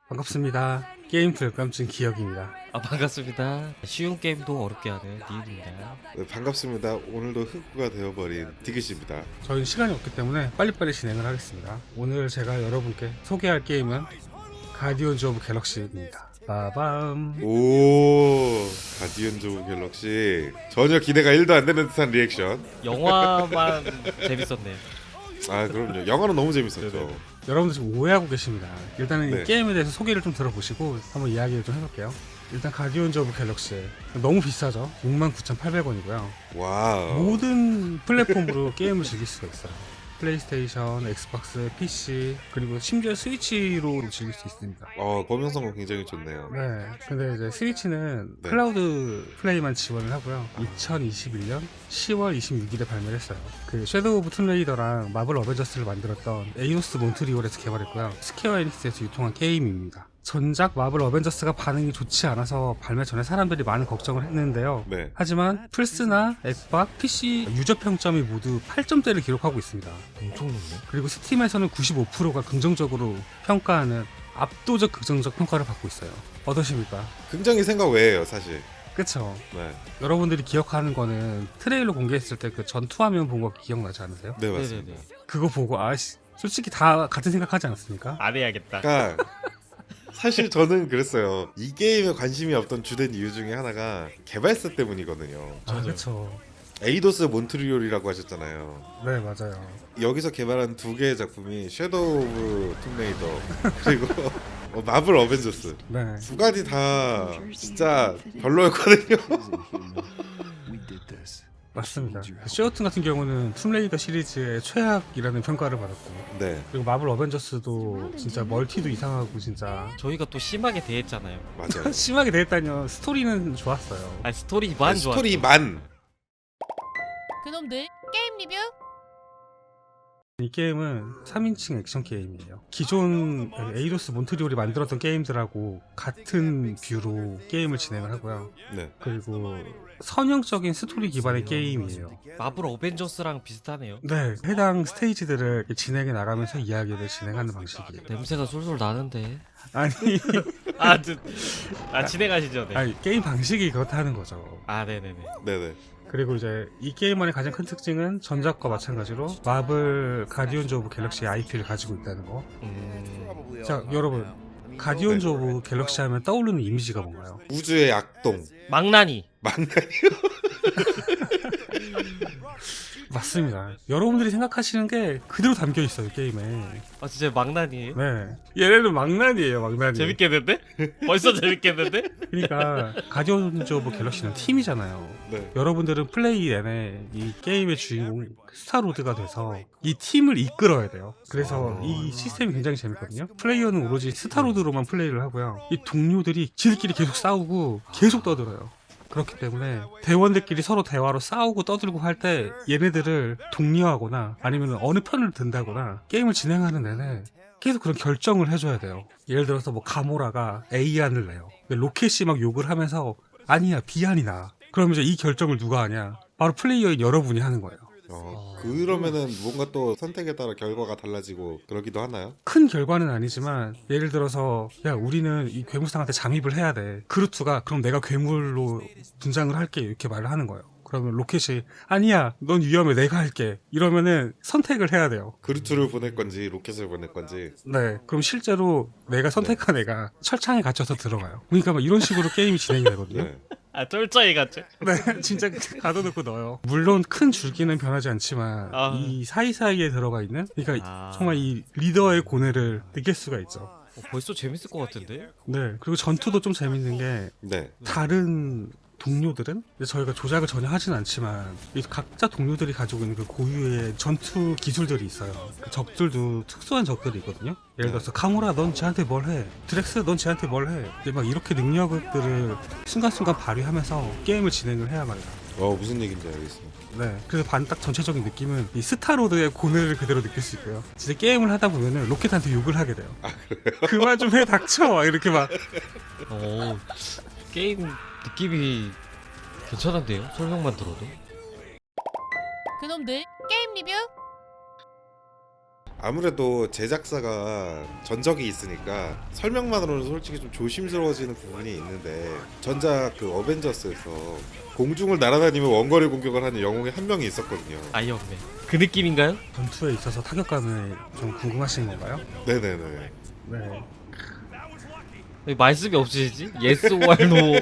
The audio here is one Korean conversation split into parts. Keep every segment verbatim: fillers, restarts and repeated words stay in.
반갑습니다. 게임 불감증 기억입니다. 아 반갑습니다. 쉬운 게임도 어렵게 하는 니은입니다. 네, 반갑습니다. 오늘도 흑구가 되어버린 디귿입니다. 저희는 시간이 없기 때문에 빨리빨리 진행을 하겠습니다. 오늘 제가 여러분께 소개할 게임은 가디언즈 오브 갤럭시입니다. 빠밤. 오, 가디언즈 오브 갤럭시. 전혀 기대가 일도 안 되는 듯한 리액션. 영화만 재밌었네요. 아 그럼요. 영화는 너무 재밌었죠. 여러분들 지금 오해하고 계십니다. 일단은 네. 이 게임에 대해서 소개를 좀 들어보시고 한번 이야기를 좀 해볼게요. 일단 가디언즈 오브 갤럭시 너무 비싸죠. 육만 구천팔백 원이고요. 와우. 모든 플랫폼으로 게임을 즐길 수가 있어요. 플레이스테이션, 엑스박스, 피씨, 그리고 심지어 스위치로 즐길 수 있습니다. 어, 범용성은 굉장히 좋네요. 네, 근데 이제 스위치는 네. 클라우드 플레이만 지원을 하고요. 이천이십일 년 시월 이십육일에 발매를 했어요. 그 섀도우 오브 툼레이더랑 마블 어벤져스를 만들었던 에이도스 몬트리올에서 개발했고요. 스퀘어 에닉스에서 유통한 게임입니다. 전작 마블 어벤져스가 반응이 좋지 않아서 발매 전에 사람들이 많은 걱정을 했는데요. 네. 하지만 플스나 엑박, 피씨 유저 평점이 모두 팔 점대를 기록하고 있습니다. 엄청 높네. 그리고 스팀에서는 구십오 퍼센트가 긍정적으로 평가하는 압도적 긍정적 평가를 받고 있어요. 어떠십니까? 굉장히 생각 외예요, 사실. 그쵸? 네, 여러분들이 기억하는 거는 트레일러 공개했을 때 그 전투화면 본 거 기억나지 않으세요? 네 맞습니다. 네네네. 그거 보고 아씨 솔직히 다 같은 생각하지 않았습니까? 안 해야겠다. 그러니까 사실 저는 그랬어요. 이 게임에 관심이 없던 주된 이유 중에 하나가 개발사 때문이거든요. 아 맞아요. 그쵸. 에이도스 몬트리올이라고 하셨잖아요. 네 맞아요. 여기서 개발한 두 개의 작품이 섀도우 오브 툼레이더 그리고 어, 마블 어벤져스 네. 두 가지 다 진짜 별로였거든요. 맞습니다. 쉐어튼 같은 경우는 툼레이더 시리즈의 최악이라는 평가를 받았고, 네, 그리고 마블 어벤져스도 진짜 멀티도 이상하고 진짜 저희가 또 심하게 대했잖아요. 맞아요. 심하게 대했다뇨. 스토리는 좋았어요. 아니 스토리만 네, 좋아. 스토리만 그놈들 게임 리뷰 이 게임은 삼 인칭 액션 게임이에요. 기존 에이도스 몬트리올이 만들었던 게임들하고 같은 뷰로 게임을 진행을 하고요. 네, 그리고 선형적인 스토리 기반의 게임이에요. 마블 어벤져스랑 비슷하네요. 네, 해당 스테이지들을 진행해 나가면서 이야기를 진행하는 방식이에요. 냄새가 솔솔 나는데. 아니, 아, 저, 아 진행하시죠. 네. 아니 게임 방식이 그렇다는 거죠. 아 네네네. 네네. 그리고 이제 이 게임만의 가장 큰 특징은 전작과 마찬가지로 마블 가디언즈 오브 갤럭시 아이피를 가지고 있다는 거. 음, 자, 여러분, 가디언즈 오브 갤럭시 하면 떠오르는 이미지가 뭔가요? 우주의 악동 망나니. 망나니요. 맞습니다. 여러분들이 생각하시는 게 그대로 담겨 있어요 게임에. 아 진짜 망나니예요? 네, 얘네는 망나니예요, 망나니. 재밌겠는데? 벌써 재밌겠는데? 그러니까 가디언즈 오브 갤럭시는 팀이잖아요. 네, 여러분들은 플레이 내내 이 게임의 주인공 스타로드가 돼서 이 팀을 이끌어야 돼요. 그래서 이 시스템이 굉장히 재밌거든요. 플레이어는 오로지 스타로드로만 플레이를 하고요. 이 동료들이 지들끼리 계속 싸우고 계속 떠들어요. 그렇기 때문에 대원들끼리 서로 대화로 싸우고 떠들고 할 때 얘네들을 독려하거나 아니면 어느 편을 든다거나 게임을 진행하는 내내 계속 그런 결정을 해줘야 돼요. 예를 들어서 뭐 가모라가 A안을 내요. 근데 로켓이 막 욕을 하면서 아니야 B안이 나. 그러면 이제 이 결정을 누가 하냐? 바로 플레이어인 여러분이 하는 거예요. 어, 그러면은 뭔가 또 선택에 따라 결과가 달라지고 그러기도 하나요? 큰 결과는 아니지만 예를 들어서 야 우리는 이 괴물상한테 잠입을 해야 돼. 그루트가 그럼 내가 괴물로 분장을 할게 이렇게 말을 하는 거예요. 그러면 로켓이 아니야 넌 위험해 내가 할게 이러면은 선택을 해야 돼요. 그루트를 보낼 건지 로켓을 보낼 건지. 네 그럼 실제로 내가 선택한 애가 철창에 갇혀서 들어가요. 그러니까 막 이런 식으로 게임이 진행이 되거든요. 네. 아 쫄짜이 같죠? 네 진짜 가둬놓고 넣어요. 물론 큰 줄기는 변하지 않지만 아. 이 사이사이에 들어가 있는 그러니까 아. 정말 이 리더의 고뇌를 느낄 수가 있죠. 어, 벌써 재밌을 것 같은데? 네 그리고 전투도 좀 재밌는 게 네. 다른 동료들은 저희가 조작을 전혀 하진 않지만 이 각자 동료들이 가지고 있는 그 고유의 전투 기술들이 있어요. 그 적들도 특수한 적들이 있거든요. 예를 들어서 카무라 넌 쟤한테 뭘 해? 드렉스 넌 쟤한테 뭘 해? 근데 막 이렇게 능력들을 순간순간 발휘하면서 게임을 진행을 해야 말이야. 어 무슨 얘기인지 알겠습니다. 네, 그래서 반딱 전체적인 느낌은 이 스타로드의 고뇌를 그대로 느낄 수 있고요. 진짜 게임을 하다 보면은 로켓한테 욕을 하게 돼요. 그만 좀 해 닥쳐 막 이렇게 막. 오, 게임 느낌이 괜찮은데요? 설명만 들어도. 그놈들 게임 리뷰 아무래도 제작사가 전적이 있으니까 설명만으로는 솔직히 좀 조심스러워지는 부분이 있는데 전작 그 어벤져스에서 공중을 날아다니며 원거리 공격을 하는 영웅이 한 명이 있었거든요. 아이언맨 그 느낌인가요? 전투에 있어서 타격감을 좀 궁금하신 건가요? 네네네. 네. 왜 말씀이 없으시지? 예스 or no.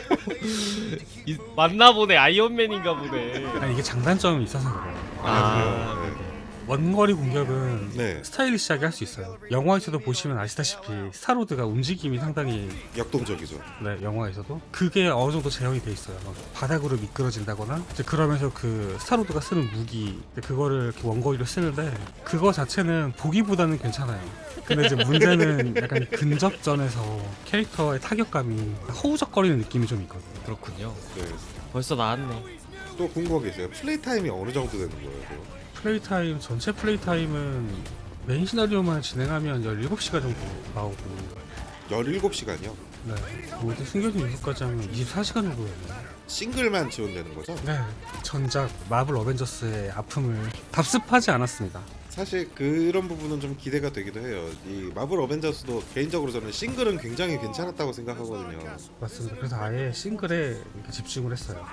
이- 맞나 보네. 아이언맨인가 보네. 아니 이게 장단점이 있어서 그래요. 아, 네. 원거리 공격은 네. 스타일리시하게 할 수 있어요. 영화에서도 보시면 아시다시피 스타로드가 움직임이 상당히 역동적이죠. 네, 영화에서도 그게 어느 정도 재현이 돼 있어요. 막 바닥으로 미끄러진다거나 이제 그러면서 그 스타로드가 쓰는 무기 이제 그거를 이렇게 원거리로 쓰는데 그거 자체는 보기보다는 괜찮아요. 근데 이제 문제는 약간 근접전에서 캐릭터의 타격감이 허우적거리는 느낌이 좀 있거든요. 그렇군요. 네. 벌써 나왔네. 또 궁금한 게 있어요. 플레이 타임이 어느 정도 되는 거예요? 그거? 플레이 타임 전체 플레이 타임은 메인 시나리오만 진행하면 열일곱 시간 정도 나오고 열일곱 시간이요? 네, 모두 숨겨진 요소까지 하면 이십사 시간 정도예요. 싱글만 지원되는 거죠? 네, 전작 마블 어벤져스의 아픔을 답습하지 않았습니다. 사실 그런 부분은 좀 기대가 되기도 해요. 이 마블 어벤져스도 개인적으로 저는 싱글은 굉장히 괜찮았다고 생각하거든요. 맞습니다. 그래서 아예 싱글에 이렇게 집중을 했어요.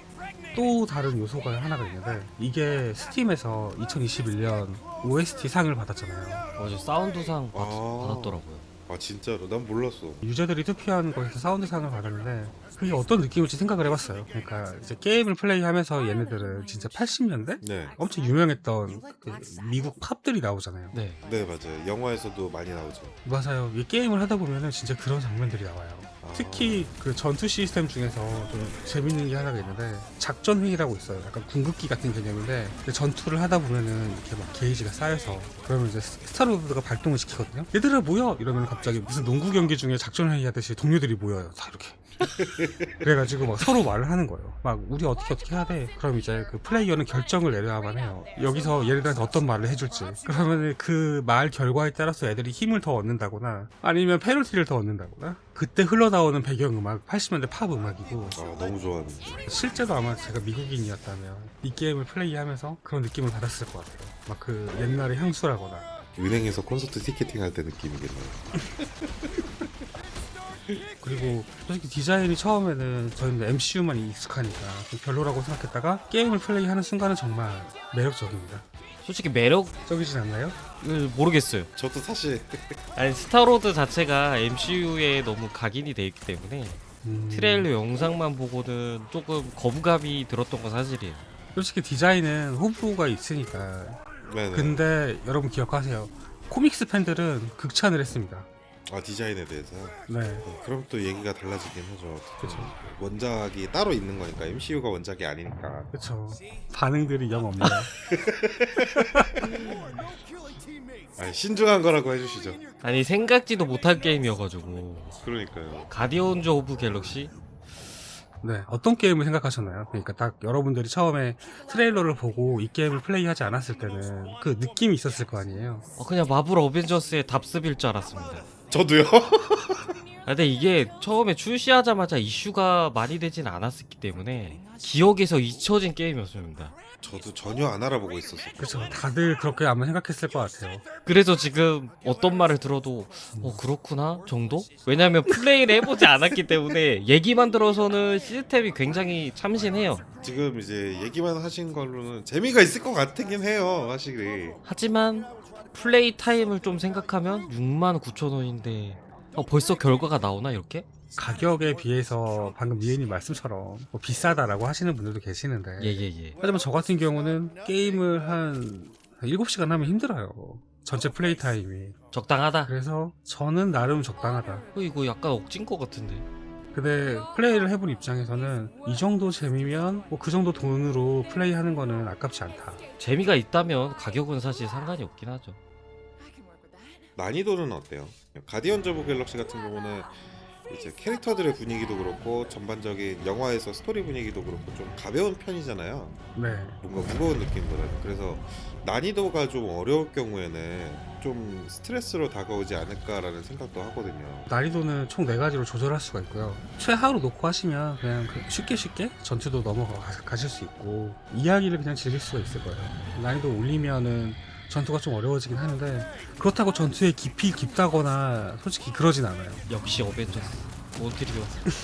또 다른 요소가 하나가 있는데 이게 스팀에서 이천이십일 년 오에스티 상을 받았잖아요. 어제 사운드상 받, 아. 받았더라고요. 아 진짜로? 난 몰랐어. 유저들이 투표한 거에서 사운드상을 받았는데 그게 어떤 느낌일지 생각을 해봤어요. 그러니까 이제 게임을 플레이하면서 얘네들은 진짜 팔십 년대 네, 엄청 유명했던 그 미국 팝들이 나오잖아요. 네. 네 맞아요. 영화에서도 많이 나오죠. 맞아요. 이 게임을 하다 보면은 진짜 그런 장면들이 나와요. 아. 특히 그 전투 시스템 중에서 좀 재밌는 게 하나가 있는데 작전 회의라고 있어요. 약간 궁극기 같은 개념인데 근데 전투를 하다 보면은 이렇게 막 게이지가 쌓여서 그러면 이제 스타로드가 발동을 시키거든요. 얘들아 모여 이러면 갑자기 무슨 농구 경기 중에 작전 회의 하듯이 동료들이 모여요. 다 이렇게. 그래가지고 막 서로 말을 하는 거예요. 막 우리 어떻게 어떻게 해야 돼. 그럼 이제 그 플레이어는 결정을 내려야만 해요. 여기서 얘네들한테 어떤 말을 해줄지. 그러면 그 말 결과에 따라서 애들이 힘을 더 얻는다거나 아니면 페널티를 더 얻는다거나. 그때 흘러나오는 배경음악 팔십 년대 팝 음악이고 아 너무 좋아하는데. 실제로 아마 제가 미국인이었다면 이 게임을 플레이하면서 그런 느낌을 받았을 것 같아요. 막 그 옛날의 향수라거나. 은행에서 콘서트 티켓팅 할 때 느낌이겠네요. 그리고 솔직히 디자인이 처음에는 저희는 엠씨유만 익숙하니까 좀 별로라고 생각했다가 게임을 플레이하는 순간은 정말 매력적입니다. 솔직히 매력을 적이진 않나요? 모르겠어요. 저도 사실 아니 스타로드 자체가 엠씨유에 너무 각인이 돼 있기 때문에 음, 트레일러 영상만 보고는 조금 거부감이 들었던 건 사실이에요. 솔직히 디자인은 호불호가 있으니까. 네네. 근데 여러분 기억하세요. 코믹스 팬들은 극찬을 했습니다. 아 디자인에 대해서. 네. 어, 그럼 또 얘기가 달라지긴 하죠. 그쵸. 원작이 따로 있는 거니까 엠씨유가 원작이 아니니까. 그쵸. 반응들이 영 없네요. 아니, 신중한 거라고 해주시죠. 아니 생각지도 못한 게임이어가지고 그러니까요. 가디언즈 오브 갤럭시? 네. 어떤 게임을 생각하셨나요? 그러니까 딱 여러분들이 처음에 트레일러를 보고 이 게임을 플레이하지 않았을 때는 그 느낌이 있었을 거 아니에요? 어, 그냥 마블 어벤져스의 답습일 줄 알았습니다. 저도요. 아, 근데 이게 처음에 출시하자마자 이슈가 많이 되진 않았기 때문에 기억에서 잊혀진 게임이었습니다. 저도 전혀 안 알아보고 있었어요. 그쵸. 다들 그렇게 아마 생각했을 것 같아요. 그래서 지금 어떤 말을 들어도 어 그렇구나 정도? 왜냐면 플레이를 해보지 않았기 때문에 얘기만 들어서는 시스템이 굉장히 참신해요. 지금 이제 얘기만 하신 걸로는 재미가 있을 것 같긴 해요, 확실히. 하지만 플레이 타임을 좀 생각하면 육만 구천 원인데 어, 벌써 결과가 나오나 이렇게? 가격에 비해서 방금 니은님 말씀처럼 뭐 비싸다라고 하시는 분들도 계시는데 예예예. 하지만 저 같은 경우는 게임을 한 일곱 시간 하면 힘들어요. 전체 플레이 타임이. 적당하다. 그래서 저는 나름 적당하다. 어, 이거 약간 억진 것 같은데. 근데 플레이를 해본 입장에서는 이 정도 재미면 뭐 그 정도 돈으로 플레이하는 거는 아깝지 않다. 재미가 있다면 가격은 사실 상관이 없긴 하죠. 난이도는 어때요? 가디언즈 오브 갤럭시 같은 경우는 이제 캐릭터들의 분위기도 그렇고 전반적인 영화에서 스토리 분위기도 그렇고 좀 가벼운 편이잖아요. 네. 뭔가 무거운 느낌보다는. 그래서 난이도가 좀 어려울 경우에는 좀 스트레스로 다가오지 않을까라는 생각도 하거든요. 난이도는 총 네 가지로 조절할 수가 있고요. 최하로 놓고 하시면 그냥 그 쉽게 쉽게 전투도 넘어가실 수 있고 이야기를 그냥 즐길 수가 있을 거예요. 난이도 올리면은 전투가 좀 어려워지긴 하는데 그렇다고 전투의 깊이 깊다거나 솔직히 그러진 않아요. 역시 어벤져스 몬트리올.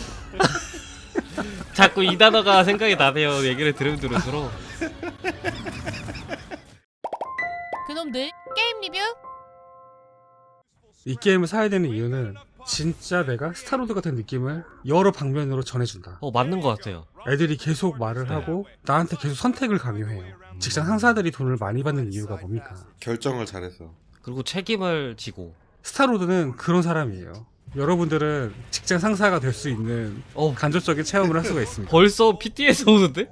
자꾸 이 단어가 생각이 나네요. 얘기를 들으면 들을수록. 그놈들 게임 리뷰. 이 게임을 사야 되는 이유는 진짜 내가 스타로드 같은 느낌을 여러 방면으로 전해준다. 어 맞는 것 같아요. 애들이 계속 말을 네. 하고 나한테 계속 선택을 강요해요. 직장 상사들이 돈을 많이 받는 이유가 뭡니까? 결정을 잘해서. 그리고 책임을 지고. 스타로드는 그런 사람이에요. 여러분들은 직장 상사가 될 수 있는 어 간접적인 체험을 할 수가 있습니다. 벌써 피티에서 오는데?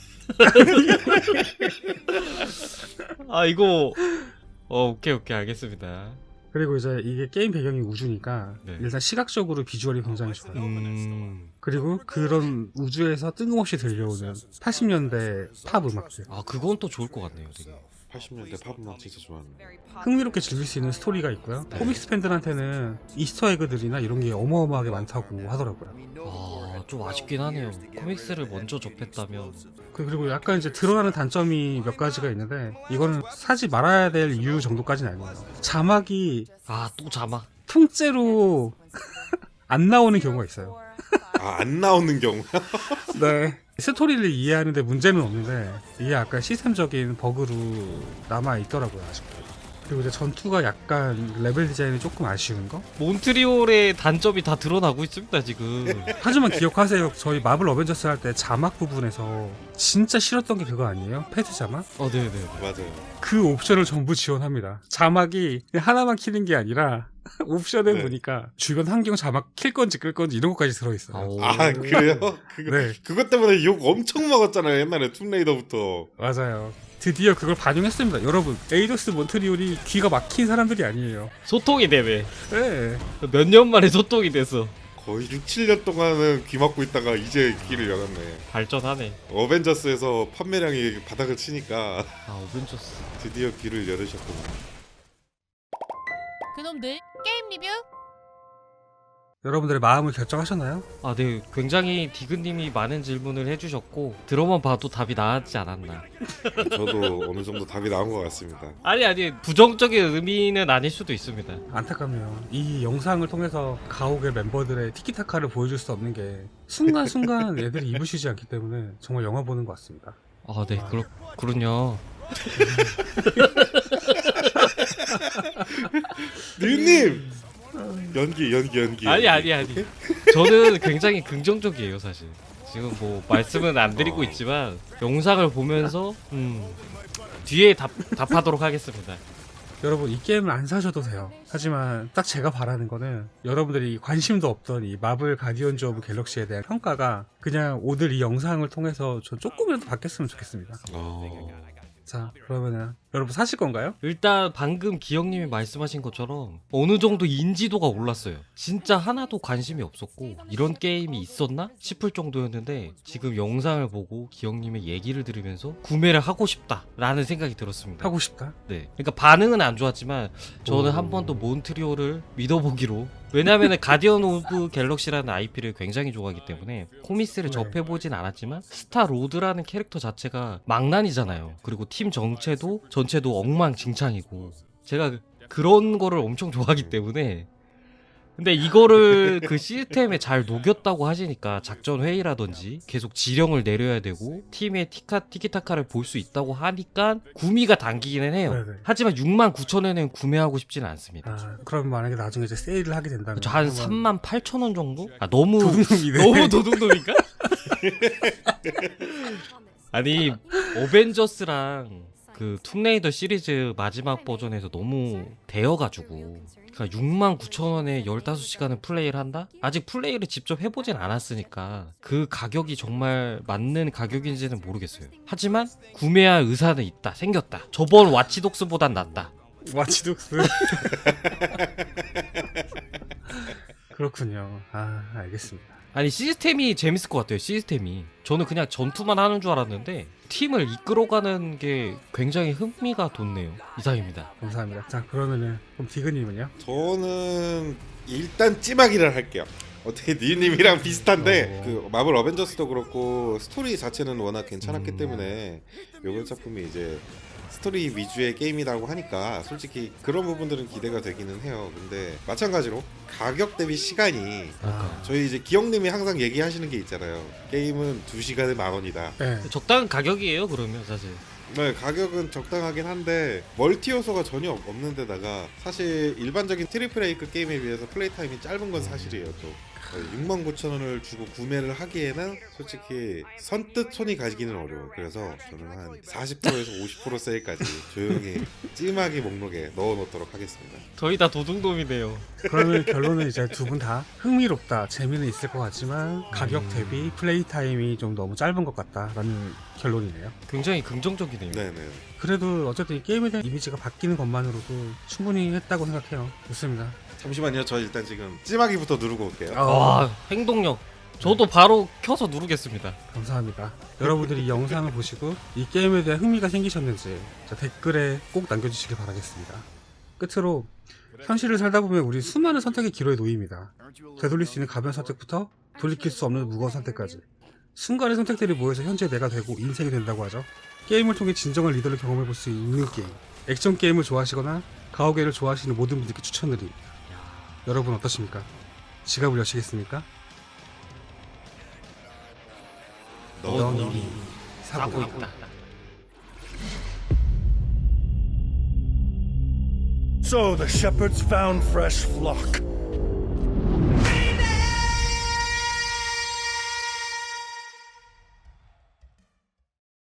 아 이거 어 오케이 오케이 알겠습니다. 그리고 이제 이게 게임 배경이 우주니까 네. 일단 시각적으로 비주얼이 굉장히 좋아요. 음... 그리고 그런 우주에서 뜬금없이 들려오는 팔십 년대 팝 음악들, 아 그건 또 좋을 것 같네요 되게. 팔십 년대 팝음악 진짜 좋아하는. 흥미롭게 즐길 수 있는 스토리가 있고요. 코믹스 팬들한테는 이스터 에그들이나 이런 게 어마어마하게 많다고 하더라고요. 아좀 아쉽긴 하네요. 코믹스를 먼저 접했다면. 그- 그리고 약간 이제 드러나는 단점이 몇 가지가 있는데 이거는 사지 말아야 될 이유 정도까지는 아니에요. 자막이 아 또 자막. 통째로 안 나오는 경우가 있어요. 아, 안 나오는 경우야? 네. 스토리를 이해하는데 문제는 없는데 이게 약간 시스템적인 버그로 남아 있더라고요, 아직도. 그리고 이제 전투가 약간 레벨 디자인이 조금 아쉬운 거? 몬트리올의 단점이 다 드러나고 있습니다 지금. 하지만 기억하세요. 저희 마블 어벤져스 할 때 자막 부분에서 진짜 싫었던 게 그거 아니에요? 패드 자막? 어 네네. 맞아요. 그 옵션을 전부 지원합니다. 자막이 그냥 하나만 키는 게 아니라 옵션에 네. 보니까 주변 환경 자막 킬 건지 끌 건지 이런 것까지 들어있어요. 아, 그래요? 그거, 네. 그것 때문에 욕 엄청 먹었잖아요. 옛날에 툼레이더부터. 맞아요. 드디어 그걸 반영했습니다. 여러분, 에이도스 몬트리올이 귀가 막힌 사람들이 아니에요. 소통이 되네. 네. 몇 년 만에 소통이 됐어. 거의 육, 칠 년 동안은 귀 막고 있다가 이제 귀를 열었네. 발전하네. 어벤져스에서 판매량이 바닥을 치니까 아 어벤져스. 드디어 귀를 열으셨구나. 그놈들 게임 리뷰. 여러분들의 마음을 결정하셨나요? 아 네. 굉장히 디그님이 많은 질문을 해주셨고 들어만 봐도 답이 나왔지 않았나. 저도 어느 정도 답이 나온 것 같습니다. 아니 아니 부정적인 의미는 아닐 수도 있습니다. 안타깝네요. 이 영상을 통해서 가옥의 멤버들의 티키타카를 보여줄 수 없는 게 순간순간 애들이 입을 쉬지 않기 때문에 정말 영화 보는 것 같습니다. 아 네 그렇 그렇군요. 뉴님! 연기 연기 연기. 아니 아니 아니. 저는 굉장히 긍정적이에요 사실. 지금 뭐 말씀은 안 드리고 어. 있지만 영상을 보면서 음 뒤에 답 답하도록 하겠습니다. 여러분 이 게임을 안 사셔도 돼요. 하지만 딱 제가 바라는 거는 여러분들이 관심도 없던 이 마블 가디언즈 오브 갤럭시에 대한 평가가 그냥 오늘 이 영상을 통해서 저 조금이라도 바뀌었으면 좋겠습니다. 어... 자 그러면은 여러분 사실 건가요? 일단 방금 기영님이 말씀하신 것처럼 어느 정도 인지도가 올랐어요. 진짜 하나도 관심이 없었고 이런 게임이 있었나 싶을 정도였는데 지금 영상을 보고 기영님의 얘기를 들으면서 구매를 하고 싶다라는 생각이 들었습니다. 하고 싶다. 네, 그러니까 반응은 안 좋았지만 저는 오. 한 번 더 몬트리올을 믿어보기로. 왜냐하면 가디언 오브 갤럭시라는 아이피를 굉장히 좋아하기 때문에 코미스를 네. 접해보진 않았지만 스타 로드라는 캐릭터 자체가 망난이잖아요. 그리고 팀 정체도 전체도 엉망진창이고 제가 그- 그런 거를 엄청 좋아하기 때문에. 근데 이거를 그 시스템에 잘 녹였다고 하시니까 작전 회의라든지 계속 지령을 내려야 되고 팀의 티카, 티키타카를 볼 수 있다고 하니까 구미가 당기기는 해요. 네네. 하지만 육만 구천 원에는 구매하고 싶지는 않습니다. 아 그럼 만약에 나중에 이제 세일을 하게 된다면 저 한 한번 삼만 팔천 원 정도? 아 너무 도둑놈이네. 너무 도둑놈인가? 아니 어벤져스랑 그 툼레이더 시리즈 마지막 버전에서 너무 대여가지고 그러니까 육만 구천 원에 열다섯 시간을 플레이를 한다? 아직 플레이를 직접 해보진 않았으니까 그 가격이 정말 맞는 가격인지는 모르겠어요. 하지만 구매할 의사는 있다. 생겼다. 저번 와치독스보단 낫다. 와치독스. 그렇군요. 아 알겠습니다. 아니 시스템이 재밌을 것 같아요. 시스템이 저는 그냥 전투만 하는 줄 알았는데 팀을 이끌어가는 게 굉장히 흥미가 돋네요. 이상입니다. 감사합니다. 자 그러면은 그럼 디그님은요? 저는 일단 찜하기를 할게요. 어떻게 니님이랑 비슷한데 어. 그 마블 어벤져스도 그렇고 스토리 자체는 워낙 괜찮았기 음. 때문에 이번 작품이 이제 스토리 위주의 게임이라고 하니까 솔직히 그런 부분들은 기대가 되기는 해요. 근데 마찬가지로 가격 대비 시간이 아, 저희 이제 기영님이 항상 얘기하시는 게 있잖아요. 게임은 두 시간에 만 원이다. 네. 적당한 가격이에요 그러면 사실. 네, 가격은 적당하긴 한데 멀티 요소가 전혀 없- 없는 데다가 사실 일반적인 트리플 A급 게임에 비해서 플레이 타임이 짧은 건 사실이에요. 또 육만 구천 원을 주고 구매를 하기에는 솔직히 선뜻 손이 가기는 어려워요. 그래서 저는 한 사십 퍼센트에서 오십 퍼센트 세일까지 조용히 찜하게 목록에 넣어놓도록 하겠습니다. 저희 다 도둑놈이네요. 그러면 결론은 이제 두 분 다 흥미롭다, 재미는 있을 것 같지만 가격 대비 플레이 타임이 좀 너무 짧은 것 같다라는 결론이네요. 굉장히 긍정적이네요. 네네. 그래도 어쨌든 이 게임에 대한 이미지가 바뀌는 것만으로도 충분히 했다고 생각해요. 좋습니다. 잠시만요. 저 일단 지금 찜하기부터 누르고 올게요. 어, 와 행동력. 저도 바로 켜서 누르겠습니다. 감사합니다. 여러분들이 이 영상을 보시고 이 게임에 대한 흥미가 생기셨는지 자, 댓글에 꼭 남겨주시길 바라겠습니다. 끝으로 현실을 살다 보면 우리 수많은 선택의 기로에 놓입니다. 되돌릴 수 있는 가벼운 선택부터 돌이킬 수 없는 무거운 선택까지 순간의 선택들이 모여서 현재 내가 되고 인생이 된다고 하죠. 게임을 통해 진정한 리더를 경험해볼 수 있는 게임, 액션 게임을 좋아하시거나 가오게를 좋아하시는 모든 분들께 추천드립니다. 여러분 어떠십니까? 지갑을 여시겠습니까? 넌 이미 사고 있다. So the shepherds found fresh flock.